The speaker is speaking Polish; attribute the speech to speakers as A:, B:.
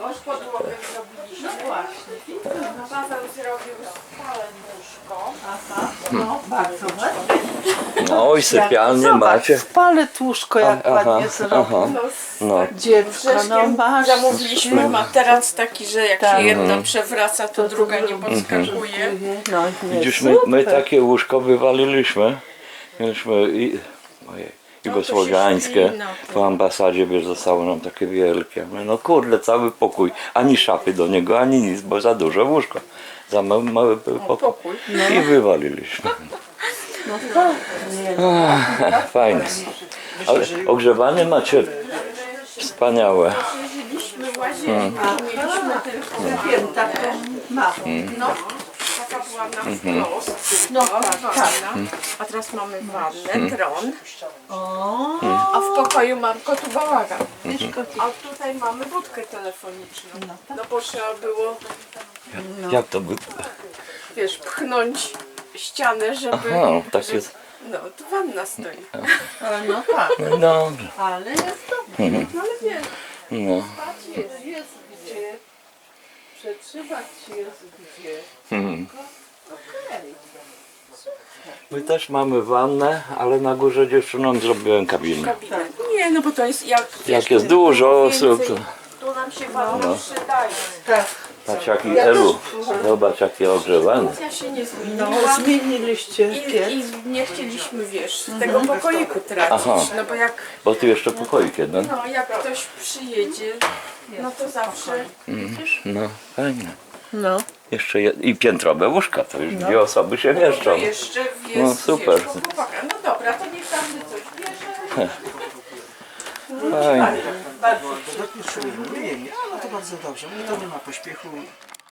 A: Już podłogę zrobiliśmy.
B: No właśnie.
A: Paweł zrobił spalę łóżko.
B: Aha, no bardzo ładnie.
C: No oj, sypialnie macie.
B: Spalę tłuszko, jak
C: Aha,
B: ładnie zrobił.
C: aha.
A: No,
C: No,
B: Dziewko, no masz.
A: zamówiliśmy materac taki, że jak
B: Tak.
A: się jedna przewraca, to druga nie podskakuje.
B: No, nie,
C: widzisz, my
B: super.
C: takie łóżko wywaliliśmy. Mieliśmy jugosłowiańskie.
A: śpi na tym.
C: Po ambasadzie, wiesz, zostało nam takie wielkie. My, no kurde, cały pokój. Ani szafy do niego, ani nic, bo za duże łóżko. Za mały był pokój. I wywaliliśmy.
B: No tak, nie,
C: Fajne. Ale ogrzewanie macie wspaniałe.
A: Mieliśmy łazienkę, mieliśmy tylko
B: wiem, taką małą.
A: no, taka była na wprost.
B: No tak, tak.
A: Wanna. A teraz mamy wannę, tron.
B: O,
A: A w pokoju mam kotu bałagan. A tutaj mamy budkę telefoniczną. No bo trzeba było,
C: Jak to by...
A: wiesz, pchnąć ścianę, żeby...
C: Aha, tak jest.
A: No, tu wanna stoi.
B: no tak,
C: No dobrze.
B: ale jest dobrze.
A: No ale wiesz,
C: No.
B: Spać jest gdzie, przetrzymać jest gdzie. Okej.
C: My też mamy wannę, ale na górze dziewczynom zrobiłem kabinę.
A: kabinet. Nie, no bo to jest jak...
C: Jak jest dużo osób, to...
A: Tu nam się wanna przydaje.
B: Tak,
C: Patrz jaki Elu, zobacz jakie ogrzewanie.
A: Ja się nie
B: no
A: zmieniłam.
B: zmieniliście piec.
A: I nie chcieliśmy, wiesz, tego pokoiku tracić,
C: Aha.
A: no bo jak,
C: Bo tu jeszcze pokoik jeden.
A: no, jak ktoś przyjedzie, no to zawsze,
C: No fajnie.
B: No.
C: Jeszcze i piętrowe łóżka, to już dwie osoby się mieszczą.
A: to jeszcze jest,
C: No, super.
A: wiesz, po chłopaka. No dobra, to niech każdy coś bierze.
C: Fajnie.
B: Bardzo
D: Dopiero nie, no to bardzo dobrze, to nie ma pośpiechu.